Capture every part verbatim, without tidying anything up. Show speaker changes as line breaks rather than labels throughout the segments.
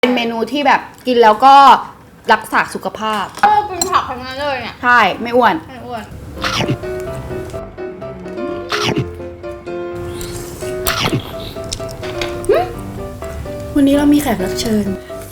เป็นเมนูที่แบบกินแล้วก็รักษาสุขภาพ
เออกินผักทั้งนั้นเลยเนี่ย
ใช่ไม่อ้วน
ไม่อ้วน
วันนี้เรามีแขกรับเชิญ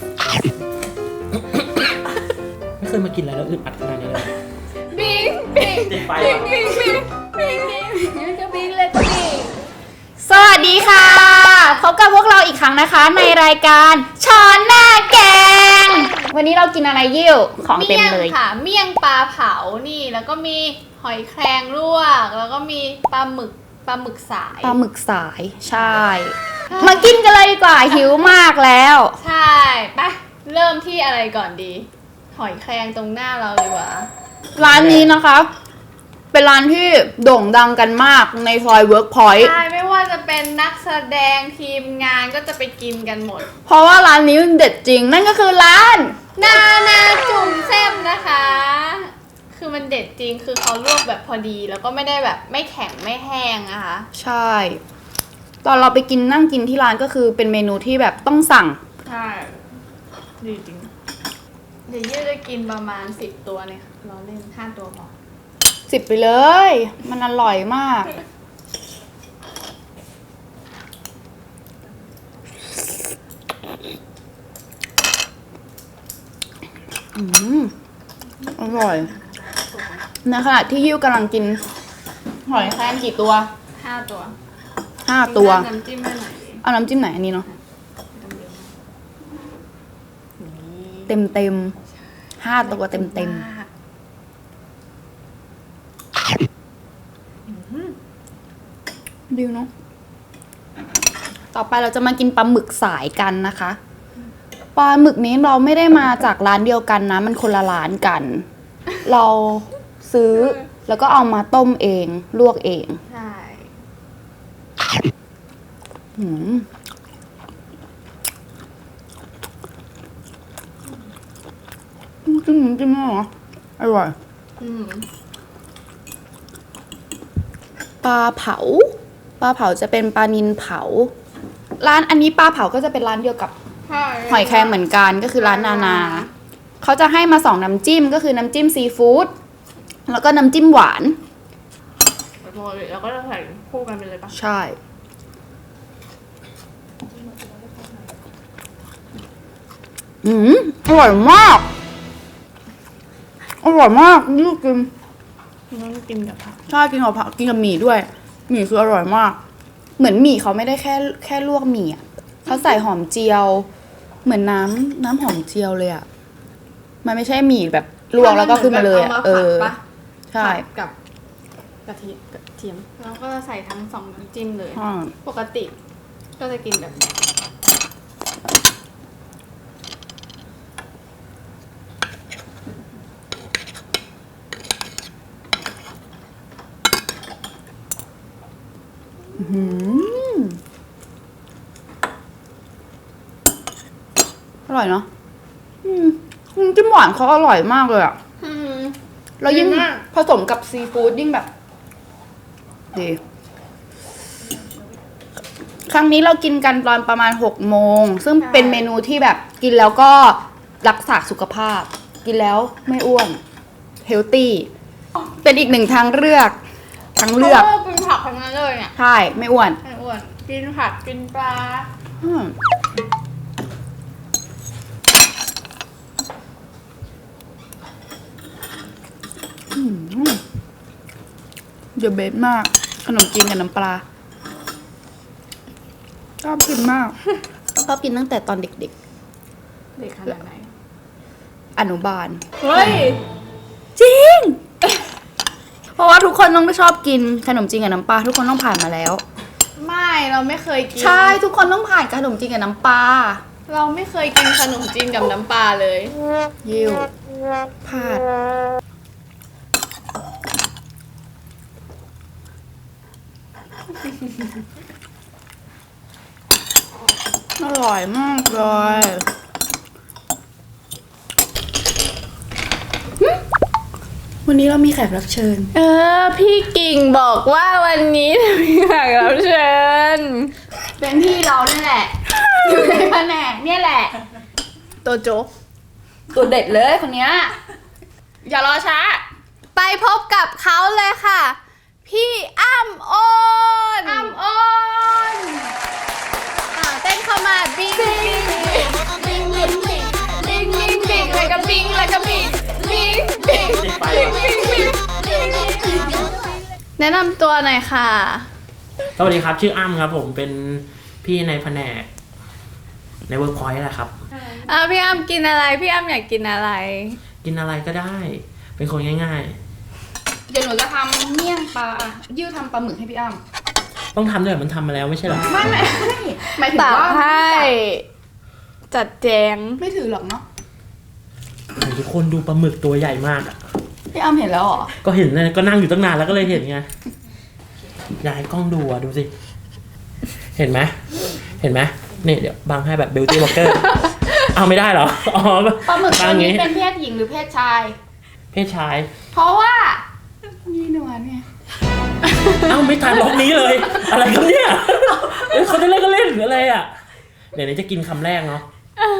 ไม่เคยมากินอะไรแล้วอึดอัดขนาดนี้เลย
บิงบิง
ติดไฟ
บิง
วะ
บิงบิงบิงบิงจะบิงเลยจะบิง
สวัสดีค่ะพบกับพวกเราอีกครั้งนะคะ ในรายการช้อนหน้าแกงวันนี้เรากินอะไรยิ่วของเต็มเลย
ค่ะเมี่ยงปลาเผานี่แล้วก็มีหอยแครงลวกแล้วก็มีปลาหมึกปลาหมึกสาย
ปลาหมึกสายใช่มากินกันเลยดีกว่าหิวมากแล้ว
ใช่ไปเริ่มที่อะไรก่อนดี หอยแครงตรงหน้าเราเลยว่ะ
ร้านนี้นะคะเป็นร้านที่โด่งดังกันมากในซอยเวิร์กพอยต์
ใช่ไม่ว่าจะเป็นนักแสดงทีมงานก็จะไปกินกันหมด
เพราะว่าร้านนี้มันเด็ดจริงนั่นก็คือร้าน
นานาจุ่มแซ่บนะคะ คือมันเด็ดจริงคือเขาลวกแบบพอดีแล้วก็ไม่ได้แบบไม่แข็งไม่แห้งนะคะ
ใช่ ตอนเราไปกินนั่งกินที่ร้านก็คือเป็นเมนูที่แบบต้องสั่ง
ใช่ดีจริงเดี๋ยวยืดจะกินประมาณสิบตัวเนี่ยเราเล่นห้าตัวพอ
สิบไปเลย มันอร่อยมากอืมอร่อยในขณะที่ยิ้วกำลังกินหอยแครงกี่ตัว
ห้าตัว
ห้าตัว
น้ำจิ้มให้หน่อยดิ
เอาน้ำจิ้มไหนอันนี้เนาะเต็มเต็มห้าตัวเต็มเต็มดิวเนาะต่อไปเราจะมากินปลาหมึกสายกันนะคะปลาหมึกนี้เราไม่ได้มาจากร้านเดียวกันนะ มันคนละร้านกัน เราซื้อแล้วก็เอามาต้มเองลวกเอง
ใช่
อืมจิ้มน้ำจิ้มเหรออร่อย
อืม
ปลาเผาปลาเผาจะเป็นปลานิลเผา ร้านอันนี้ปลาเผาก็จะเป็นร้านเดียวกับ
ใช่
หอยแครงเหมือนกันก็คือร้านนานาเขาจะให้มาสองน้ำจิ้มก็คือน้ำจิ้มซีฟู้ดแล้วก็น้ำจิ้มหวาน
ปกติเราก็จะใส่คู่กันไปเลยปะ
ใช่อืมอร่อยมากอร่อยมากนี่กิน
ต้องกินกับผัก
ใช่กินกับผักกินกับหมี่ด้วยหมี่คืออร่อยมาก เหมือนหมี่เขาไม่ได้แค่แค่ลวกหมี่อ่ะเขาใส่หอมเจียว เหมือนน้ำน้ำหอมเจียวเลยอ่ะมันไม่ใช่หมี่แบบลวกแล้วก็ขึ้นมาเลยอ่ะเออใช่
กับกะทิกระเทียมแล้วก็จะใส่ทั้งสองน้ำจิ้มเลย
อ่า
ปกติก็จะกินแบบนี้
อืมอร่อยเนาะอืมน้ำจิ้มหวานเขาอร่อยมากเลยอ่ะ
อืม
แล้วยิ่ง
ดีมาก
ผสมกับซีฟู้ดยิ่งแบบดีครั้งนี้เรากินกันตอนประมาณหกโมงซึ่งเป็นเมนูที่แบบกินแล้วก็รักษาสุขภาพ กินแล้วไม่อ้วนเฮลตี้เป็นอีกหนึ่งทางเลือกทางเลือก
พราะว่ากินผักทั้งนั้นเลยเนี่ย
ใช่ไม่อ้วน
ไม่อ้วนกินผักกินปลา
อืมอืมเดอะเบสมาก ขนมจีนกับน้ำปลาชอบกินมากชอบกินตั้งแต่ตอนเด็ก
เด็กขนาดไหน
ๆ อนุบาล
เฮ้ย
จริง เพราะว่าทุกคนต้องชอบกินขนมจีนกับน้ำปลาทุกคนต้องผ่านมาแล้ว
ไม่เราไม่เคยกิน
ใช่ทุกคนต้องผ่านขนมจีนกับน้ำปลา
เราไม่เคยกินขนมจีนกับน้ำปลาเลย
ยิวพลาดอร่อยมากเลย วันนี้เรามีแขกรับเชิญ
เออพี่กิ่งบอกว่าวันนี้มีแขกรับเชิญ
เป็นพี่เราเนี่ยแหละ อยู่ในแผนกเนี่ยแหละ
ตัวโจ๊ก
ตัวเด็ดเลยคนเนี้ยอย่ารอช้า
ไปพบกับเขาเลยค่ะ พี่อ้ำโอน
อ้ำโอน
อ่าเต้นเข้ามาบิงบิงบิงบิงบิงบิงบิงบิงแล้วก็บิงแล้วก็บิงบิงบิงบิงบิงบิงแนะนำตัวหน่อยค่ะ
สวัสดีครับ ชื่ออ้ำครับผมเป็นพี่ในแผนกในเวิร์กพอยต์แหละครับ
อ่าพี่อ้ำกินอะไรพี่อ้ำอยากกินอะไร
กินอะไรก็ได้ เป็นคนง่าย
เดี๋ยวหนูจะทำเมี่ยงปลาอ่ะยิ้วทำปลาหมึกให้พี่อ้ำ
ๆ ต้องทำด้วยมันทำมาแล้วไม่ใช่เหรอ
ไม่ไม่หมายถึง
ตัก
ว่า
ให้ จัดแจง
ไม่ถือหรอกเนาะ
โอ้โหทุกคนดูปลาหมึกตัวใหญ่มากอะ
พี่อ้ำเห็นแล้วเหรอ
ก็เห็นนะก็นั่งอยู่ตั้งนานแล้วก็เลยเห็นไงอยากให้กล้องดูอะดูสิ เห็นไหมเห็นไหมนี่เดี๋ยวบังให้แบบ beauty walker เอาไม่ได้เหรออ๋อ
ปลาหมึกตัว
บัง
นี้
งี้
เป็นเพศหญิงหรือเพศชาย
เพศชาย
เพราะว่ามีหนวดไง
เอ้าไม่ทันล็อกนี้เลย อะไรกันเนี่ยเอ้ยเขาจะเล่นก็เล่นหรืออะไรอ่ะ เดี๋ยวนี้จะกินคำแรกเนาะ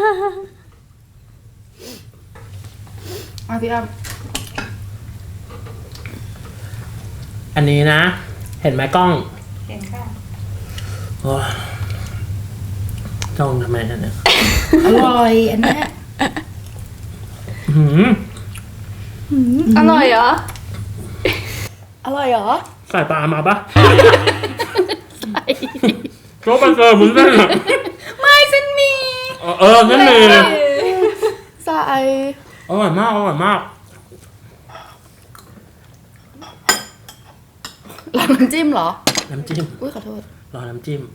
อ่ะพี่อ้ำ
อันนี้นะ เห็นไหมกล้อง
เห็นค่ะ
โอ้ยจ้องทำไมอันเนี่ย
อร่อยอันเนี้ย
หืม
อร่อยเหรอ
อร่อยเหรอ
ใส่ปลามาปะโจ๊กมันเจอมึงได้เหรอ
ไม่เส้นหมี
เออเออนั่นเลย
ใส่
อร่อยมากอร่อยมาก
หลังน้ำจิ้มเหรอ
น้ำจิ้ม
อุ้ยขอโทษ
รอน้ำจิ้ม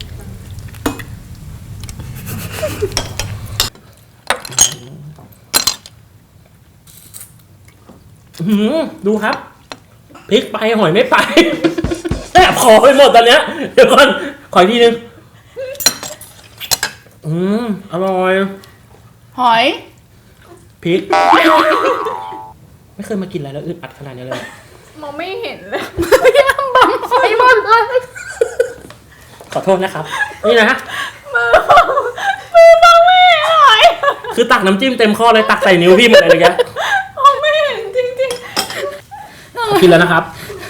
หืมดูครับพริกไปหอยไม่ไปแอบคอไปหมดตอนเนี้ย เดี๋ยวก่อนขออีกทีนึงอืมอร่อย
หอย
พริก ไม่เคยมากินอะไรแล้วอึดอัดขนาดนี้เลย
มองไม่เห็นเลย
พี่อ้ำบังหอยหมดเลย
ขอโทษนะครับ นี่นะ
มือมือมองไม่เห็นหอย
คือตักน้ำจิ้มเต็มข้อเลยตักใส่นิ้วพี่หมดเลยเลยแก
มองไม่เห็นจริง
กินแล้วนะครับ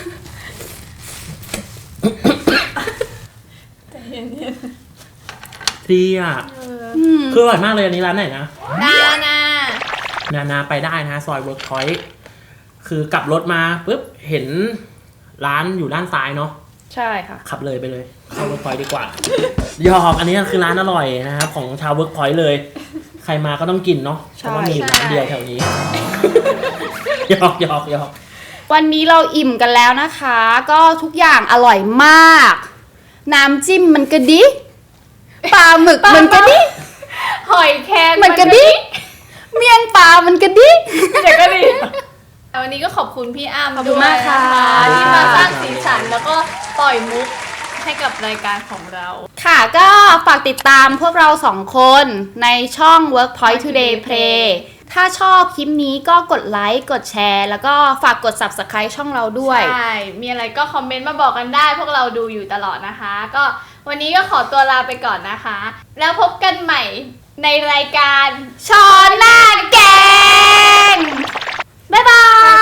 ๆแต่เย็น
ดีอ่ะ
อืม
คืออร่อยมากเลยอันนี้ร้านไหนนะ
ๆนานา
นานาไปได้นะซอยเวิร์กพอยต์คือกลับรถมาปุ๊บเห็นร้านอยู่ด้านซ้ายเนาะ
ใช่ค่ะ
ขับเลยไปเลยเข้าเวิร์กพอยต์ดีกว่าหยอกอันนี้คือร้านอร่อยนะครับของชาวเวิร์กพอยต์เลย ใครมาก็ต้องกินเนาะเพราะว่ามีร้านเดียวแถวนี้ หยอกหยอกหยอก
วันนี้เราอิ่มกันแล้วนะคะ ก็ทุกอย่างอร่อยมาก น้ำจิ้มมันกระดิปลาหมึกมันกระดิ
หอยแครง
มันกระดิเมี่ยงปลามันกระดิ
เดี๋ยวก็ดีวันนี้ก็ขอบคุณพี่อ้ำ
ขอบคุณมากค่ะ
ด้วยนที่มาสร้างสีสันแล้วก็ปล่อยมุกให้กับรายการของเรา
ค่ะก็ฝากติดตามพวกเราสองคนในช่อง Workpoint Today Play ถ้าชอบคลิปนี้ก็กดไลค์กดแชร์ แล้วก็ฝากกด Subscribe ช่องเราด้วย
ใช่ มีอะไรก็คอมเมนต์มาบอกกันได้ พวกเราดูอยู่ตลอดนะคะ ก็วันนี้ก็ขอตัวลาไปก่อนนะคะ แล้วพบกันใหม่ในรายการ
ช้อนหน้าแกง บ๊ายบาย